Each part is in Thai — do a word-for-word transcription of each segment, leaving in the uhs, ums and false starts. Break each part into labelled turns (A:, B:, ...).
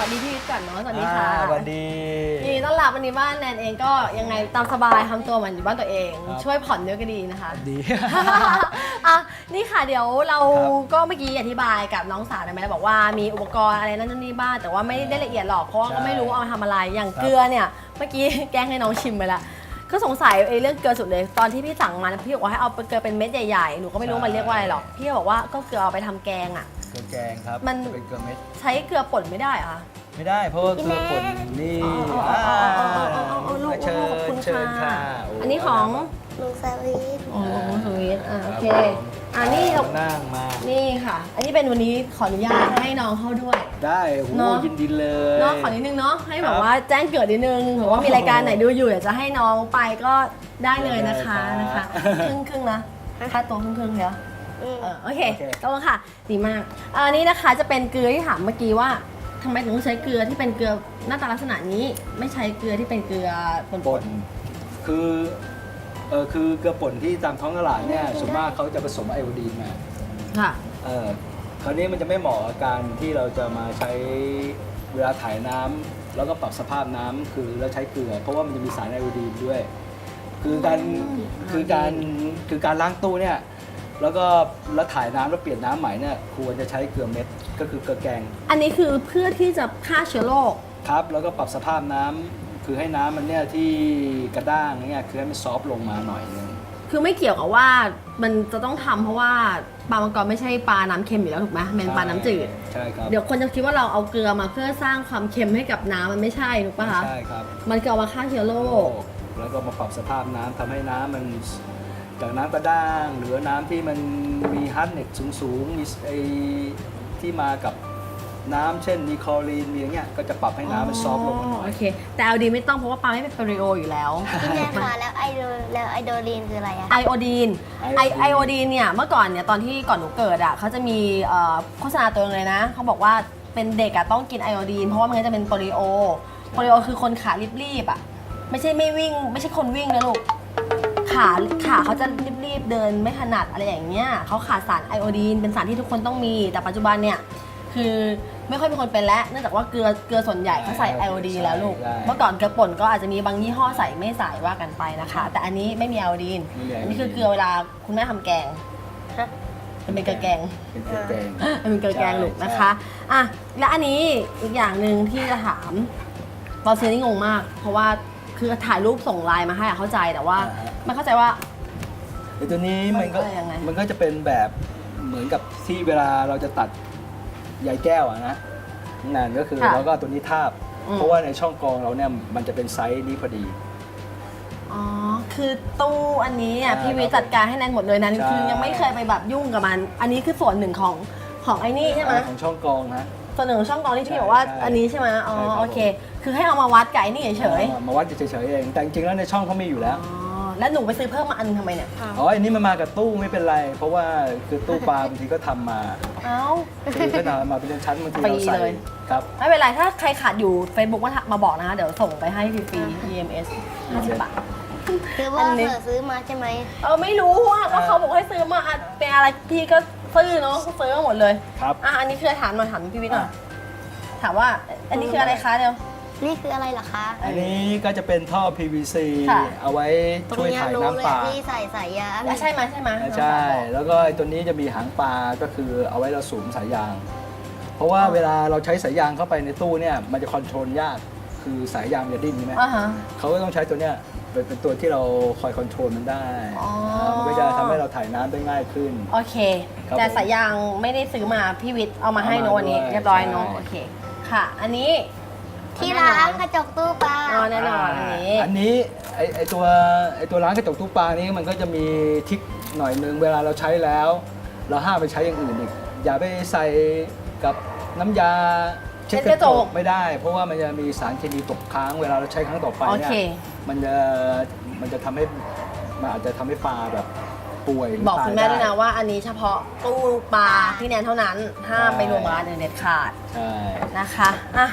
A: วัสดีพี่วิทย์ก่อนเนาะสวัสดีค่ะ
B: สวัสดี
A: ยินดีต้อนรับวันนี้บ้านแนนเองก็ยังไงตามสบายทำตัวเหมือนอยู่บ้านตัวเอง ช่วยผ่อนเยอะก็ดีนะคะ
B: ดี
A: อ่ะนี่ค่ะเดี๋ยวเราก็เมื่อกี้อธิบายกับน้องสาวไปแล้วบอกว่ามีอุปกรณ์อะไรนั่นนี่บ้างแต่ว่าไม่ได้ละเอียดหรอกเพราะว่าก็ไม่รู้เอามาทำอะไรอย่างเกลือเนี่ยเมื่อกี้แกล้งให้น้องชิมไปละก็สงสัยไอ้เรื่องเกลือสุดเลยตอนที่พี่สั่งมาพี่บอกว่าให้เอาเกลือเป็นเม็ดใหญ่ๆหนูก็ไม่รู้มันเรียกว่าอะไรหรอกพี่บอกว่าก็เกลือเอาไปทำแกงอ่ะ
B: เกลือแกงครับ
A: มัน
B: เป็นเกลือเม็ด
A: ใช้เกลือป่นไม่ได้เหรอคะ
B: ไม่ได้เพราะว่าเกลือป่นนี่
A: อ๋ออ๋ออ๋ออ๋ออ๋ออ๋อลูก
B: เชิญ
A: ขอบคุณ
B: เชิญ
A: ค่ะ
B: ค่ะโ
A: อันนี้ของ
C: ลุงสวีท
A: โอ้โหสวีทอ่ะโอเค
B: ครับผม
A: อ่ะนี่เรา
B: นั่งมา
A: นี่ค่ะ อันนี้เป็นวันนี้ขออนุญาตให้น้องเข้าด้วย
B: ได้โอ้โห
A: เนอะ
B: ยินดีเลย
A: เนาะขอนิดนึงเนาะให้แบบ
B: ครับ
A: ว่าแจ้งเกิดนิดนึงหรือว่ามีรายการไหนดูอยู่อยากจะให้น้องไปก็ได้เลยนะคะ
B: ได้เลย
A: นะคะ
B: ครับ
A: ครึ่งครึ่งๆนะค่าตัวครึ่งครึ่งๆเดี๋ยว
C: อืม
A: เออโอเค
B: โอเค
A: ต้องค่ะดีมากอันนี้นะคะจะเป็นเกลือที่ถามเมื่อกี้ว่าทำไมถึงต้องใช้เกลือที่เป็นเกลือหน้าตาลักษณะนี้ ไม่ใช้เกลือที่เป็นเกลือป่น
B: ป่นคือเออคือเกลือป่นที่ตามท้องตลาดเนี่ยส่วนมากเขาจะผสมไอโอดีนมา
A: ๆค่ะ
B: เออคราวนี้มันจะไม่เหมาะกับการที่เราจะมาใช้เวลาถ่ายน้ำแล้วก็ปรับสภาพน้ำคือเราใช้เกลือ เพราะว่ามันจะมีสารไอโอดีนด้วย คือการ
A: อืม
B: คือการคือการล้างตู้เนี่ยแล้วก็แล้วถ่ายน้ำแล้วเปลี่ยนน้ำใหม่เนี่ยควรจะใช้เกลือเม็ดก็คือเกลือแกง
A: อันนี้คือเพื่อที่จะฆ่าเชื้อโรค
B: ครับแล้วก็ปรับสภาพน้ำคือให้น้ำมันเนี่ยที่กระด้างเนี่ยคือให้มันซอฟต์ลงมาหน่อยนึง
A: คือไม่เกี่ยวกับว่ามันจะต้องทำเพราะว่าปลามังกรไม่ใช่ปลาน้ำเค็มอยู่แล้วถูกไหมมันเป็นปลาน้ำจืด
B: ใช่ครับ
A: เดี๋ยวคนจะคิดว่าเราเอาเกลือมาเพื่อสร้างความเค็มให้กับน้ำมันไม่ใช่ถูกปะคะ
B: ใช่ครับ
A: มันคือเอามาฆ่าเชื้อโรค
B: แล้วก็มาปรับสภาพน้ำทำให้น้ำมันจากน้ำกระด้างหรือน้ำที่มันมีฮาร์ดเน็ตสูงๆมีไอที่มากับน้ำเช่นมีคลอรีนมีอย่างเงี้ยก็จะปรับให้น้ำมันซอฟต์ลงมาหน่อย
A: โอเค แต่เอาดีไม่ต้องเพราะว่าปลาไม่เป็นปริโออยู่แล้ว
C: พี่แนนคะแล้วไอโดแล้วไอโดรีนคืออะไรอะ
A: ไอโอดีนไอ
B: ไอ
A: ไอ
B: โอ
A: โอ
B: ดี
A: ดี
B: น
A: นเนี่ยเมื่อก่อนเนี่ยตอนที่ก่อนหนูเกิดอ่ะเขาจะมีเอ่อโฆษณาตัวนึงเลยนะเขาบอกว่าเป็นเด็กอ่ะต้องกินไอโอดีนเพราะว่ามันจะเป็นโปลิโอโปลิโอคือคนขารีบๆอ่ะไม่ใช่ไม่วิ่งไม่ใช่คนวิ่งนะลูกขาขาเขาจะรีบๆเดินไม่ถนัดอะไรอย่างเงี้ยเขาขาดสารไอโอดีนเป็นสารที่ทุกคนต้องมีแต่ปัจจุบันเนี่ยคือไม่ค่อยมีคนเป็นแล้วเนื่องจากว่าเกลือเกลือส่วนใหญ่เขาใส่ไอโอดีนแล้วลูก
B: ใช่
A: เมื่อก่อนเกลือป่นก็อาจจะมีบางยี่ห้อใส่ไม่ใส่ว่ากันไปนะคะ แต่อันนี้ไม่มีไอโอดีน
B: ไม่มีไอโอดีน
A: อันนี้คือเกลือเวลาคุณแม่ทำแกง
C: ฮะ
A: มันเป็นเกลือแกง
B: เป็นเกลือแกง
A: มันเป็นเกลือแกงลูก
B: ใช่
A: นะคะอ่ะและอันนี้อีกอย่างหนึ่งที่จะถามตอนซื้อนี่งงมาก เพราะว่าคือถ่ายรูปส่งไลน์มาให้อะเข้าใจแต่ว่าไม่เข้าใจว่า
B: ไอตัวนี้มันก็
A: มันก็ยังไง
B: มันก็จะเป็นแบบเหมือนกับที่เวลาเราจะตัดใยแก้วอะนะงานก็คือ
A: ค่ะ
B: เราก็เอาตัวนี้ทาบ
A: อืม
B: เพราะว่าในช่องกรองเราเนี่ยมันจะเป็นไซส์นี้พอดี
A: อ๋อคือตู้อันนี้อ่ะ
B: ใช่
A: พี่วิจัดการให้แนนหมดเลยนะ
B: ใช่
A: คือยังไม่เคยไปแบบยุ่งกับมัน อันนี้คือส่วนหนึ่งของของไอ้นี่ใช่ไหม
B: ของช่องกรองนะ
A: ส่วนหนึ่งของช่องกรองที่
B: ใช่
A: พี่บอกว่า
B: ใช่
A: อันนี้ใช่ไหมอ๋อ
B: ใช่ครับ
A: โอเค คือให้เอามาวัดกับไอ้นี่เฉย
B: มาวัดเฉยๆเองแต่จริงๆแล้วในช่องเขามีอยู่
A: ๆ
B: แล้ว
A: อ๋อแล้วหนูไปซื้อเพิ่มมาอันทำไมเนี่ย
B: อ๋ออันนี้มันมากับตู้ไม่เป็นไร เพราะว่าคือตู้ปลาบางทีก็ทำมา
A: เอ้า
B: คือก็ทำมาเป็นชั้นบางที
A: ฟรี
B: เราใส่
A: เลย
B: ครับ
A: ไม่เป็นไร ถ้าใครขาดอยู่ Facebook มามาบอกนะคะ เดี๋ยวส่งไปให้ฟรีๆ อี เอ็ม เอส ห้าสิบบาท
C: คือว่า
A: อันนี้
C: เธอซื้อมาใช่ไหม
A: เออไม่รู้อ่ะก็เขาบอกให้ซื้อมาอ่ะเป็นอะไรพี่ก็ซื้อเนาะซื้อมาหมดเลย
B: ครับ
A: อ่ะอันนี้คือถามหน่อยถามพี่วิทย์หน่อยถามว่าอันนี้คืออะไรคะเดี๋ยว
C: นี่คืออะไรเหรอคะ
B: อันนี้ก็จะเป็นท่อ พี วี ซี
A: ค่ะ
B: เอาไว้
C: ตรง
B: ช่วย
C: เนี้ย
B: ถ่าย
C: รู้
B: น้ำ
C: เลย
B: ปลา
C: ที่ใส่สายยาง
A: อ่ะใช่ไหมใช่ไหม
B: ใช่ แล้วก็ไอ้ตัวนี้จะมีหางปลาก็คือเอาไว้เราสูงสายยาง เพราะว่าเวลาเราใช้สายยางเข้าไปในตู้เนี่ยมันจะคอนโทรลยาก คือสายยางมันจะดิ้นใช่ไหม
A: อ่าฮะ
B: เขาก็ต้องใช้ตัวเนี้ยเป็นเป็นตัวที่เราคอยคอนโทรลมันได้
A: อ๋อ
B: มันก็จะทำให้เราถ่ายน้ำได้ง่ายขึ้น
A: โอเค
B: ครับ
A: แต่
B: ผม
A: สายยางไม่ได้ซื้อมาพี่วิทย์เอามาให้
B: เอามา
A: โนวันนี้
B: ด้วย
A: เรียบร้อยเนอะ
B: ใช่
A: โอเคค่ะ อันนี้
C: ที่ล้างกระจกตู้ปลา
A: อ๋อแน่นอนอันนี้
B: อันนี้ไอไอตัวไอตัวร้านกระจกตู้ปลานี้มันก็จะมีทริกหน่อยนึงเวลาเราใช้แล้ว เราห้ามไปใช้อย่างอื่นอีกอย่าไปใส่กับน้ำยาเช็ดกระจกไม่ได้ เพราะว่ามันจะมีสารเคมีตกค้างเวลาเราใช้ครั้งต่อไป
A: โอ
B: เนี่
A: เค
B: ยมันจะมันจะทำให้มันอาจจะทำให้ปลาแบบป่วยหรื
A: บอกคุณแม่
B: ตา
A: ด้วยนะว่าอันนี้เฉพาะตู้ปลาพี่แนนเท่านั้น ห้ามไปรวมกับร้านอื่นเด็ดขาด
B: ใช่
A: นะคะอ่ะ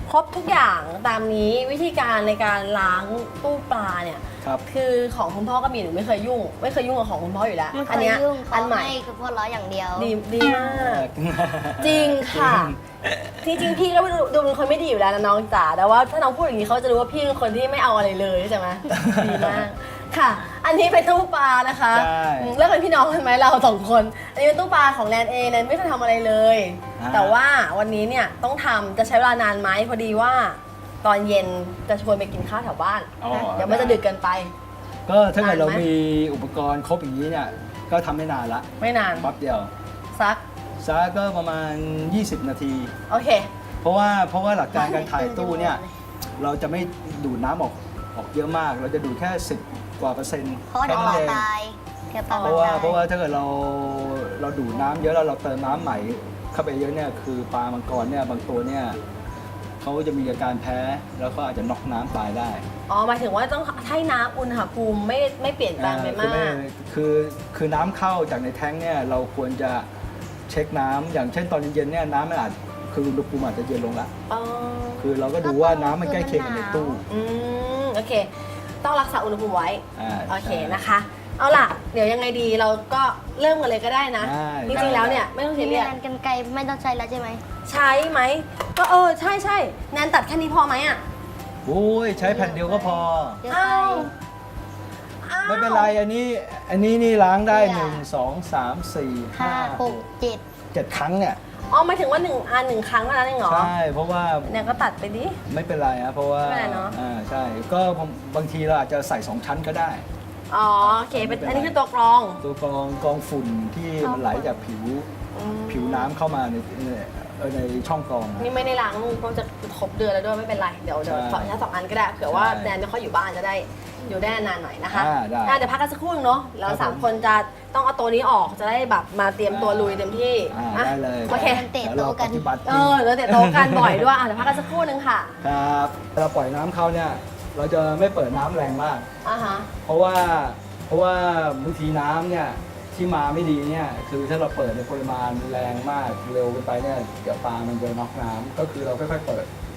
A: ครบทุกอย่างตามนี้วิธีการในการล้างตู้ปลาเนี่ย
B: ครับ
A: คือของคุณพ่อก็มีหนูไม่เคยยุ่ง ไม่เคยยุ่งกับของคุณพ่ออยู่แล้ว
C: ไม่เค
A: อัน
C: ย
A: เนี้ย
C: ยุ่ง
A: อั
C: เขา
A: นใหม่
C: ให้คือพ่อล้ออย่างเดียว
A: ดีดีมาก จริงค่ะ จริงๆพี่ก็ดูดูเป็นคนไม่ดีอยู่แล้วนะน้องจ๋าแต่ว่าถ้าน้องพูดอย่างนี้เขาจะรู้ว่าพี่เป็นคนที่ไม่เอาอะไรเลยใช่ไหม ดีมากค่ะ อันนี้เป็นตู้ปลานะคะ
B: ใช่
A: อืมแล้วเป็นพี่น้องกันไหมเราสองคน อันนี้เป็นตู้ปลาของแนนเองแนนไม่เคยทำอะไรเลย
B: อ่า
A: แต่ว่าวันนี้เนี่ยต้องทำจะใช้เวลานานไหมพอดีว่า ตอนเย็นจะชวนไปกินข้าวแถวบ้าน
B: อ๋อ
A: เดี๋ยวมันจะดึกเกินไป
B: ก็ถ้าเกิดเรา
A: นานไหม
B: มีอุปกรณ์ครบอย่างนี้เนี่ยก็ทำไม่นานละ
A: ไม่นาน
B: แป๊บเดียว
A: สัก
B: ซะก็ประมาณ ยี่สิบ นาที
A: โอเค
B: เพราะว่าเพราะว่าหลักการการถ่ายตู้เนี่ยเราจะไม่ดูดน้ำออกออกเยอะมาก เราจะดูดแค่สิบกว่าเปอร์เซ็นต์
C: เพราะว่าเดี๋ยวปลา
B: แค่นั้นเอง
C: ตายเดี๋ยวปลา
B: เพราะว่า
C: ตาย
B: เพราะว่าถ้าเกิดเราเราดูดน้ำเยอะแล้วเราเติมน้ำใหม่เข้าไปเยอะเนี่ยคือปลามังกรเนี่ยบางตัวเนี่ยเขาจะมีอาการแพ้แล้วก็อาจจะน็อกน้ำตายได้
A: อ๋อหมายถึงว่าต้องให้น้ำอุณหภูมิไม่ไม่เปลี่ยนแปลงไป
B: อ่าคือ
A: มา
B: ไม่
A: ก
B: คือคือน้ำเข้าจากในแท้งเนี่ยเราควรจะเช็คน้ำอย่างเช่นตอนเย็นๆเนี่ยน้ำมันอาจคืออุณหภูมิอาจจะเย็นลงละ
A: อ๋อ
B: คือเราก็ดูว่าน้ำมันใกล้เคียงกับในตู้
A: อืมโอเค ต้องรักษาอุณหภูมิไว้
B: อ่า
A: โอเค
B: ใช่
A: นะคะ เอาล่ะ เดี๋ยวยังไงดีเราก็เริ่มกันเลยก็ได้นะ
B: ได้
A: จริงๆแล้วเนี่ยไม่ต้อง
C: ที
A: เสีย
C: นี้
A: เรียก
C: แนนกันไกลไม่ต้องใช้แล้วใช่ไหม
A: ใช้ไหม ก็เออ ใช่ใช่แนนตัดแค่นี้พอไหมอ่ะ
B: โอ้ยใช้แผ่นเดียวก็พอ
C: เดี๋ยว
A: อ้า
C: ไป
A: วอ้าว
B: ไม่เป็นไรอันนี้อันนี้นี่ล้างได้
C: เนี่ย
B: หนึ่งสองสามสี่ห้า
C: ห้าหกเจ็ด
B: เจ็ดครั้งเนี่ย
A: อ๋อหมายถึงว่าหนึ่งอันหนึ่งครั้งเท่านั้นเองเหรอ
B: ใช่เพราะว่า
A: แนนก็ตัดไปดิ
B: ไม่เป็นไรนะเพราะว่า
A: ไม่เป็นไรเนอะ
B: อ่าใช่ก็บางทีเราอาจจะใส่สองชั้นก็ได้
A: อ๋อโอเคเป็นอันนี้คือตัวกรอง
B: ตัวกรองกรองฝุ่นที่มันไหลจากผิว
A: อืม
B: ผิวน้ำเข้ามาในในเอ่อในช่องกรองนะ
A: นี่ไม่ได้ล้างเพราะจะครบเดือนแล้วด้วยไม่เป็นไร เดี๋ยวเดี๋ยว
B: ใช่
A: ขอแค่สองอันก็ได้เผื่อว่า
B: ใช่
A: แนนไม่ค่อยอยู่บ้านจะได้อยู่ได้นานๆหน่อยนะคะ
B: อ่าได้
A: อ่ะเดี๋ยวพักกันสักครู่นึงเนาะเรา
B: ครับ
A: สาม
B: ผม
A: คนจะต้องเอาตัวนี้ออกจะได้แบบมาเตรียมตัวลุยเต็มที่
B: อ่า
A: อ่ะ
B: ได้เลย
A: โอเค
C: เตะ
B: เดี๋ยว
C: โต๊ะ
B: เรา
C: กั
B: ป
C: น
B: ฏิบัติจ
A: เอ
B: ริง
A: อแล้วเดี๋ยวโตกันบ่อยด้วยอ่ะเดี๋ยวพักกันสักครู่นึงค่ะ
B: ครับเราปล่อยน้ำเข้าเนี่ยเราจะไม่เปิดน้ำแรงมาก
A: อ่าฮะ
B: เพราะว่าเพราะว่าบางทีน้ำเนี่ยที่มาไม่ดีเนี่ยคือถ้าเราเปิดในปริมาณแรงมากเร็วเกินไปเนี่ยเดี๋ยวปลามันจะน็อกน้ำก็คือเราค่อยๆเปิด